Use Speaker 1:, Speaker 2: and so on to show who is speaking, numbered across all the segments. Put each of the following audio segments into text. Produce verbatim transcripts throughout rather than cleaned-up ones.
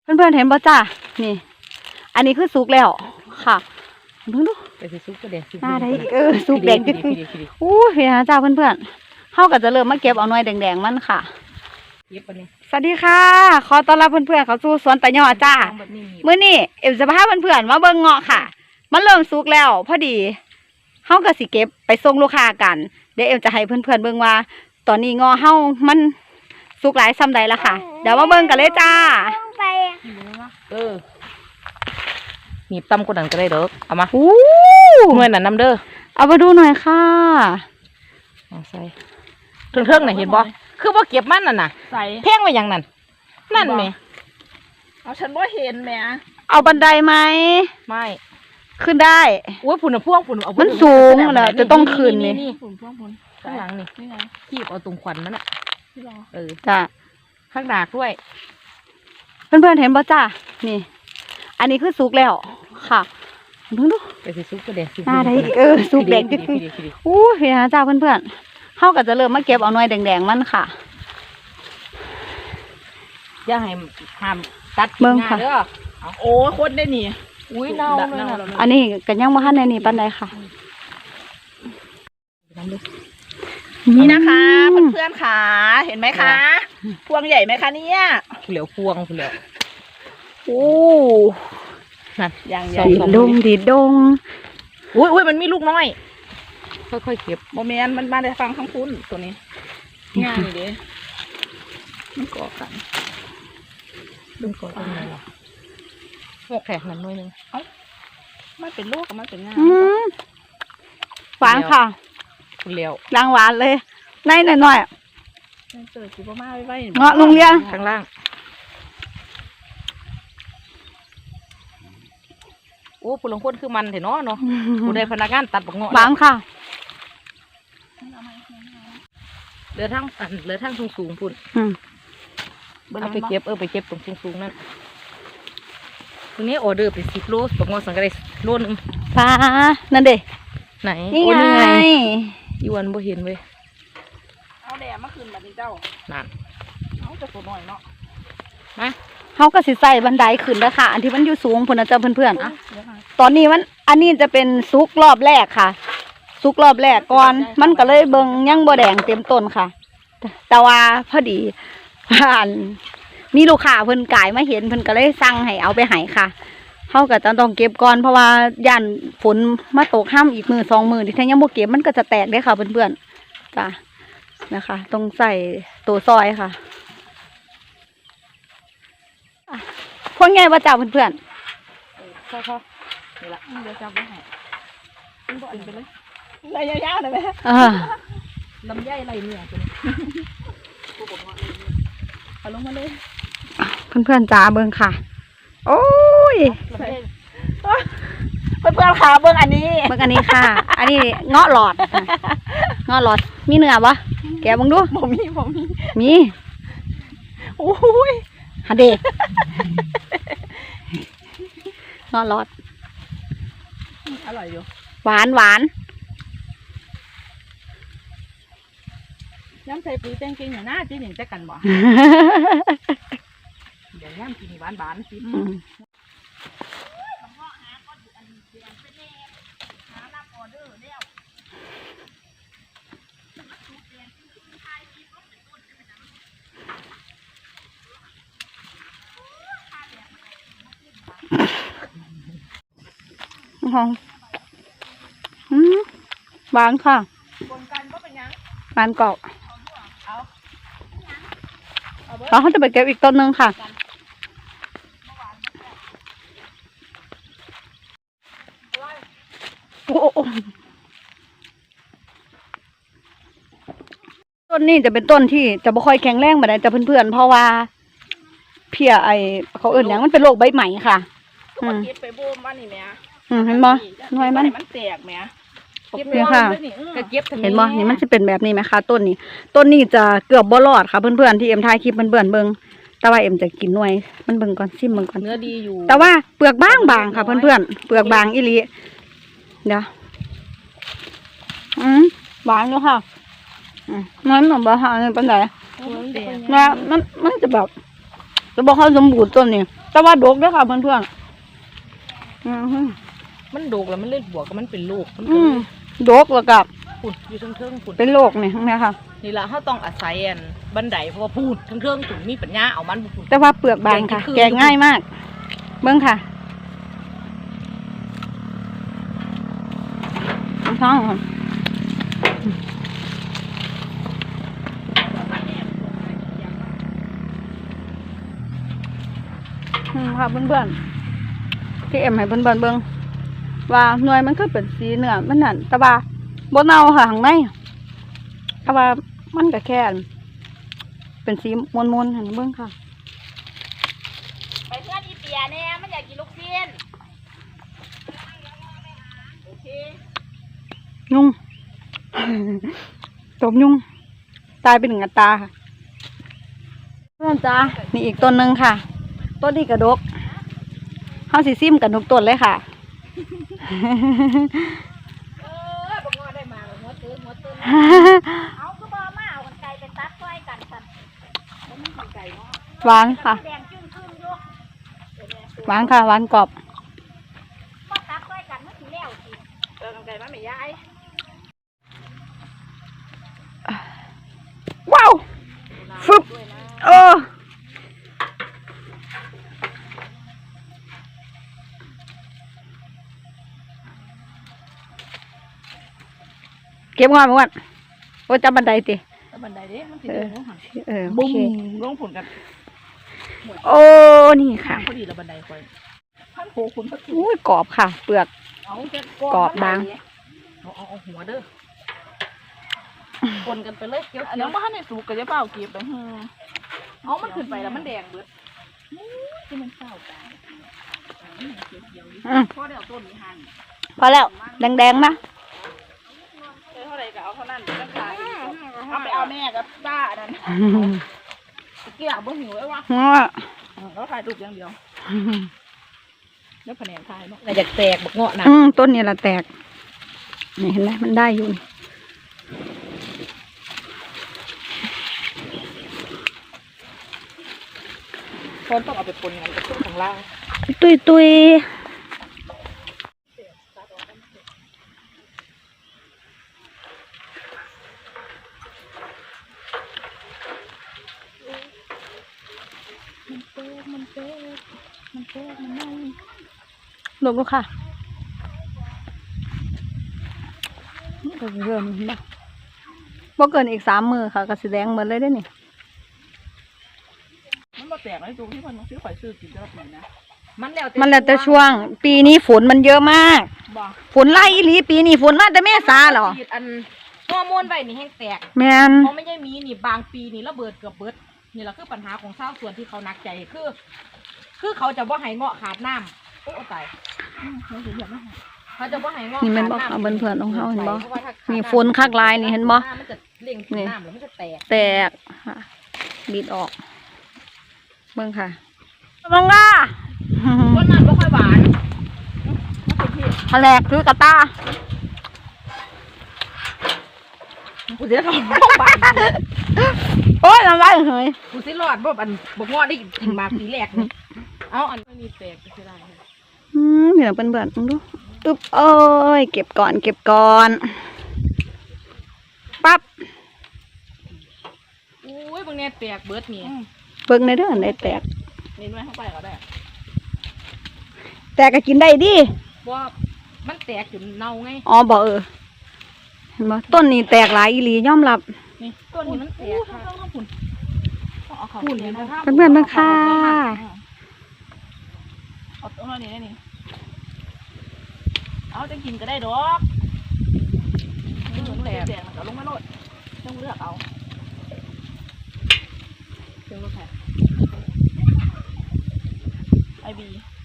Speaker 1: เพื่อนๆเห็นป่ะจ้านี่อันนี้คือสุกแล้วค่ะดูดู
Speaker 2: ไปสิสุกก็แดงสุก
Speaker 1: หน้าได้เออสุกแดงจริงๆอู้เห็นนะจ้าเพื่อนๆเขาก็จะเริ่มมาเก็บเอาหน่วยแดงๆมันค่ะสวัสดีค่ะขอต้อนรับเพื่อนๆเขาสู่สวนตะยอจ้ามื้อนี้เอ็มจะพาเพื่อนๆมาเบิ่งเงาะค่ะมันเริ่มสุกแล้วพอดีเขาก็สิเก็บไปส่งลูกค้ากันเดี๋ยวเอ็มจะให้เพื่อนๆเบิ่งว่าตอนนี้เงาะเฮามันสุกหลายซ้ำใดละค่ะเดี๋ยวมาเบิ่งกันเลยจ้า
Speaker 2: เออหนีบตำกดดันก็ได้เด้อเอามา
Speaker 1: อู้
Speaker 2: เมื่อนั้นน้ำเด้อ
Speaker 1: เอามาดูหน่อยค่ะ
Speaker 2: เอาใส่เทิงๆน่ะเห็นบ่คือบ่เก็บมันน่ะน่ะใส่แพงไว้อย่างนั้นนั่นแหม
Speaker 3: เอาฉันบ่เห็นแหม
Speaker 1: เอาบันไดไหม
Speaker 2: ไม่
Speaker 1: ขึ้นได้
Speaker 2: โอ้ยฝุ่นพ่วงฝุ่นเอา
Speaker 1: มันสูงเหรอจะต้องขึ้นนี่
Speaker 3: ฝุ่นพ่วงฝุ่น
Speaker 2: ข้างหลังนี่นี่ไงขีบเอาตรงขวัญมันอ่ะเออ
Speaker 1: จ้ะ
Speaker 2: ข้างดากด้วย
Speaker 1: เพื่อนๆเห็นป่ะจ้านี่อันนี้คือสุกแล้วค่ะดูดู
Speaker 2: ไปสิสุกก็แดงสุก
Speaker 1: หน้าได้เออสุกแดงจริงๆอู้เห็นนะจ้าเพื่อนๆเขาก็จะเริ่มมาเก็บเอาหน่วยแดงๆมันค่ะ
Speaker 2: อย่าให้ห้ามตัด
Speaker 1: เบิ่งค่ะ
Speaker 3: โอ้คนได้นี่
Speaker 2: อุ้ยเน่าเลย
Speaker 1: อันนี้กันยังว่าท่านในนี่ปันใดค่ะ
Speaker 3: นี่นะคะเพื่อนๆค่ะเห็นไหมคะพวงใหญ่ไหมคะเนี่ย
Speaker 2: เหลียวพวงเหลียว
Speaker 1: โอ้
Speaker 2: นั่น
Speaker 3: อย่างใหญ่
Speaker 1: ดีดงดีดง
Speaker 2: อุ้ยอุ้ยมันมีลูกน้อยค่อยๆเก็บ
Speaker 3: โมเมนต์มันมาได้ฟังทั้งคุณตัวนี้ง่ายดิมันเกาะกัน
Speaker 2: ดึงเกาะตรงไหนหรอหกแขกหนึ่งหน่วยหนึ่ง
Speaker 3: เอ้าไม่เป็นลูกกับมันเป็นง่าย
Speaker 1: หวานค่ะ
Speaker 2: เหลียว
Speaker 1: ล้างหวานเลยในหน่อยหน่อย
Speaker 3: เจอสิบมาไว้ไว้
Speaker 1: เงาะลุงเรียน
Speaker 2: ข้างล่างโอ้ผู้ลงคนคือมันเถอะเนาะเนาะผู้ได้พนักงานตัดบักเงาะ
Speaker 1: บางค่ะ
Speaker 2: เหลือทั้งอันเหลือทั้งสูงสูงพุ่นเอาไปเก็บเออไปเก็บตรงสูงสูงนั่นตรงนี้ออเดอร์ไปสิบโลบักเงาะสังกัดได้โลนึง
Speaker 1: ป้านั่นเด็
Speaker 2: ไหน
Speaker 1: นี่ไง
Speaker 2: อีวันบ่เห็นเว้ย
Speaker 3: เอาแดดมาคืนแบบนี้เจ้า
Speaker 2: นั่น
Speaker 3: เอาจะตัวหน่อยเนาะ
Speaker 2: มา
Speaker 1: เขาก็สิใส่บันไดขึ้นแล้วค่ะอันที่มันอยู่สูงพุ่นนะจ๊ะเพื่อนๆอ่ะตอนนี้มันอันนี้จะเป็นซุกรอบแรกค่ะซุกรอบแรกก่อนมันก็เลยเบิ่งยังบ่แดงเต็มต้นค่ะแต่ว่าพอดีผ่านมีลูกค้าเพิ่นกายมาเห็นเพิ่นก็เลยสั่งให้เอาไปให้ค่ะเขาก็จะต้องเก็บก่อนเพราะว่าย่านฝนมาตกห้ามอีกมือสองมือที่ถ้ายังบ่เก็บมันก็จะแตกได้ค่ะเพื่อนๆจ้ะนะคะต้องใส่ตัวซอยค่ะพวกไงว่าจ้าเพื่อน
Speaker 3: ๆพอพอนี่ละเดี๋ยวจับไว้ให้ขึ้นบ่อนไปเลยไรยาวๆหน่อยไหมลำไยไรเนี่ยตัวนี้เอาลงมาเลย
Speaker 1: เพื่อนๆจ้าเบิ้งค่ะโอ้ย
Speaker 3: เพื่อนๆค่ะเบิ้งอันนี้
Speaker 1: เบิ้งอันนี้ค่ะอันนี้เงาะหลอดเงาะหลอดมีเนื้อปะแกบังดู
Speaker 3: ผมมีผมมี
Speaker 1: มี
Speaker 3: โอ้ย
Speaker 1: ฮันเดเงาะหลอด
Speaker 3: อร่อยอยู่
Speaker 1: หวานหวาน
Speaker 3: น้ำใส่ปุ๋ยแตงกินอย่างน่าจีหนึ่งจะกันบ่เดี๋ยวน้ำกินหวานหวานสิ
Speaker 1: หอมหวานค่ะหวานกรอบแล้วเขาจะไปเก็บอีกต้นนึงค่ะโอ้ต้นนี้จะเป็นต้นที่จะไม่ค่อยแข็งแรงเหมือนแต่เพื่อนๆเพราะว่าเพียไอเขาเอื่นอย่างมันเป็นโรคใบใหม่ค่ะ
Speaker 3: อืมเก็บไปบูมว่านี่แม่
Speaker 1: อืมเห็นบ่หน่วยมัน
Speaker 3: มันแตกแม่
Speaker 1: เก็บเลยค่ะเห็นบ่นี่มันจะเป็นแบบนี้ไหมคะต้นนี้ต้นนี้จะเกือบบ่รอดค่ะเพื่อนๆที่เอ็มถ่ายคลิปเพื่อนๆเบิ่งแต่ว่าเอ็มจะกินหน่วยมันเบิ่งก่อนซิมเบิ่งก่อน
Speaker 2: เนื้อดีอยู่
Speaker 1: แต่ว่าเปลือกบางบางค่ะเพื่อนๆเปลือกบางอีหลีเดี๋ยวอืมหวานอยู่ค่ะอืมมันเหมือนบะฮาเนี่ยเป็นไงนะมันมันมันจะแบบจะบอกเขาสมบูรณ์ต้นนี้แต่ว่าดกเด้อค่ะเพื่อนๆอืม
Speaker 2: มันโดกแล้วมันเล่นบวกกับมันเป็นโรคมัน
Speaker 1: อื
Speaker 2: ก็
Speaker 1: มดกแล้วกับ
Speaker 2: ปุ่นอยู่เทิงๆปุ่น
Speaker 1: เป็นโรคนี่ทั้งนี้ค่ะ
Speaker 2: นี่ละเขาต้องอาศัยอันบันไดเพราะว่าพูดเทิงๆปุ่นมีปัญญาเอามันปุ่น
Speaker 1: แต่ว่าเปลือกบางค่ะ แกงง่ายมาก เบิ้งค่ะท้องค่ะอืมค่ะเพื่อนๆที่เอ็มให้เพื่อนๆเบิ้งว่าหน่วยมันก็เป็นสีเนื้อมันนั่นแต่ว่าบนเน่าค่ะข้างในแต่ว่ามันก็แค่เป็นสีมวนๆเห็นเบิ้งค่ะ
Speaker 3: ไปเพื่อนอีเปียเนี่ยมันอยากกินลูกชิ้นโอเค
Speaker 1: ยุง ตบยุง ตายไปหนึ่งอัตราค่ะเพื่อนจ้านี่อีกต้นหนึ่งค่ะ ต้นนี้กระดกเฮาสิซิมกันทุกต้นเลยค่ะ
Speaker 3: เออบอกว่าได้มาหัวตื้อหัวตื้อเอาคือบ่มาเอากันไก่ไปตัดไว้กันกันมันมีกันไก่เนาะ
Speaker 1: หวานค่ะ
Speaker 3: แดงจึ้งขึ้นอยู่
Speaker 1: หวานค่ะ หวานกรอบ
Speaker 3: มาตัดไว้กันมันสิแล้วสิเออกันไก่มันไม่ย้าย
Speaker 1: ว้าวฟึบเออเก็บงอนก่อนโอ้จับบันไดติ
Speaker 3: แล้วบันไดเด้มันสิ
Speaker 1: เอ
Speaker 3: เดิ
Speaker 1: อน
Speaker 3: ลงหัน
Speaker 1: เออโอ
Speaker 3: บุ้ง
Speaker 1: เค
Speaker 3: ลงผลกัน
Speaker 1: โอ้ นี่ค่ะ
Speaker 3: พอดีแล้วบันไดคอยท่านโคคุณพัด
Speaker 1: อุ้ยกรอบค่ะ เปลือก
Speaker 3: เอาจะ
Speaker 1: กรอบบาง
Speaker 2: เอาเอาเอาหัวเด้อคนกันไปเลยเกี่ยว
Speaker 3: อัน
Speaker 2: เกี่ย
Speaker 3: นี้
Speaker 2: ว
Speaker 3: บ้านในสูกก็จะเปล่าเก็บไปฮึเอามันขึ้นไปแล้วมันแดงเบิดที่มันเศร้ากัน
Speaker 1: อืม
Speaker 3: พอเดี๋ยวต้นนี้หัน
Speaker 1: พอแล้ว แดงๆนะ
Speaker 3: เท่าไรก็เอาเท่านั้นตั้งขายเอาไปเอาแม่กับป้านั่นเกี่ยวบ่หิวไว้วะ
Speaker 1: ง้อ
Speaker 3: แล้วถ่ายรูปอย่างเดียวแล้วแผนกถ่ายเนาะ
Speaker 2: แต่อยากแตกบักเงาะนะ
Speaker 1: อืมต้นนี้ละแตก นี่เห็นไหมมันได้อยู่
Speaker 2: คนต้องเอาไปปนกันกับต้นของเรา
Speaker 1: ตุยตุยลงลูกค่ะเกินเกินบ้าบ่เกินอีกสามมือค่ะกระสีแดงหมดเลยได้อนี่
Speaker 3: มันมาแตกในตรงที่มันซื้อข่อยซื้อกินได้แบบไหนนะ
Speaker 2: มันแล้ว
Speaker 1: มันแล้วแต่ช่วง ปีนี้ฝนมันเยอะมาก
Speaker 3: บ่
Speaker 1: ฝนไล่อีหลีปีนี้ฝนมาแต่เมษาเหรอ
Speaker 2: อันฮอร์โมนไว้นี่แห้งแตก
Speaker 1: แมน
Speaker 2: เพราะไม่ใช่มีนี่บางปีนี่ระเบิดเกือบเบิดนี่แหละคือปัญหาของชาวสวนที่เขาหนักใจคือ คือเขาจะว่าให้เงาะขาดน้ำโอ้ตาย
Speaker 3: เราถึงอยากไม่หา
Speaker 2: เขาจะว่าให้เงาะ
Speaker 1: นี่แม่นบ่
Speaker 2: ขาด
Speaker 1: ค่ะเบิ่นเพื่อนของเขาเห็นบ่
Speaker 2: พราะว่าถ้าขาด
Speaker 1: นี่ฝนคักลายนี่เห็นบ่
Speaker 2: มันจะเล่งกินน้ำแล้วมันจะแตก
Speaker 1: แตกค่ะบีดออกเบิ่งค่ะมองล่า
Speaker 2: ต้นนั้นไม่ค่อยหวาน
Speaker 1: แผลกคือกระตา
Speaker 2: กูจะทำบ้บาน
Speaker 1: โอ้ยน้ำลายเหย
Speaker 2: กูสิรอดบ่อันบ่งอได้กินมาปีแรกนี่เอาอันไม่มีแตกก็สิได้
Speaker 1: อืมเดี๋ยวเบิ่นๆมึงดูอึ๊บโอ้ยเก็บก่อนเก็บก่อนปั๊บ
Speaker 2: อุ้ยบางเนี่ยแตกเบิดนี่
Speaker 1: เบิ่งในเด้อได้แตก
Speaker 3: เน้นไว้เข้าไปก็ได้
Speaker 1: แตกก็กินได้ดิ
Speaker 2: ว่ามันแตกจนเน่าไง
Speaker 1: อ๋อบ่เออเห็นบ่ต้นนี้แตกหลายอีหลียอมรับ
Speaker 2: นี่ต้นนี้มันแตกค่ะ
Speaker 3: เอาเขา
Speaker 2: หุ่นเลยนะ
Speaker 1: เพื่อนๆเบิ่งค่ะ
Speaker 3: เอาตรงนี้นี่เอาจะกินก็ได้ดอก
Speaker 2: แตก
Speaker 3: แดงมันก็ลงมาโลดต้องเลือกเอา
Speaker 2: เชิงรถแท็ก
Speaker 3: ไอบี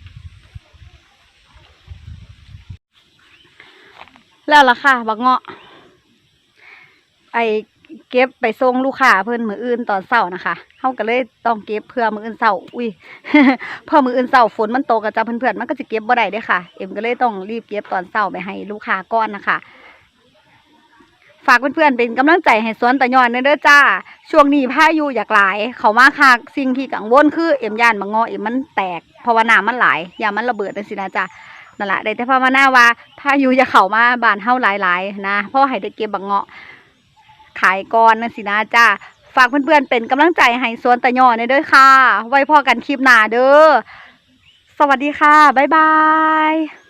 Speaker 1: แล้วล่ะค่ะบักเงาะไอเก็บไปส่งลูกค้าเพิ่นมื้ออื่นตอนเช้านะคะเฮาก็เลยต้องเก็บเพื่อมื้ออื่นเช้าอุ้ย เพอมื้ออื่นเช้าฝนมันตกก็จ้ะเพื่อนๆมันก็จะเก็บบ่ได้เด้อค่ะ เอ็มก็เลยต้องรีบเก็บตอนเช้าไปให้ลูกค้าก่อนนะคะฝากเพื่อนๆเป็นกำลังใจให้สวนตะยอนเด้อจ้าช่วงนี้พายุอยากหลายเขามาคักสิ่งที่กังวลคือเอ็มย่านบางงอเอ็มมันแตกเพราะว่าน้ำมันหลายอย่ามันระเบิดจังซี่นะจ้านั่นแหละได้แต่ภาวนาว่าพายุจะเข้ามาบ้านเฮาหลายๆนะเพราะให้ได้เก็บบางเงาะขายก่อนจังซี่นะจ้าฝากเพื่อนๆเป็นกำลังใจให้สวนตะยอนเด้อค่ะไว้พอกันคลิปหน้าเด้อสวัสดีค่ะบ๊ายบาย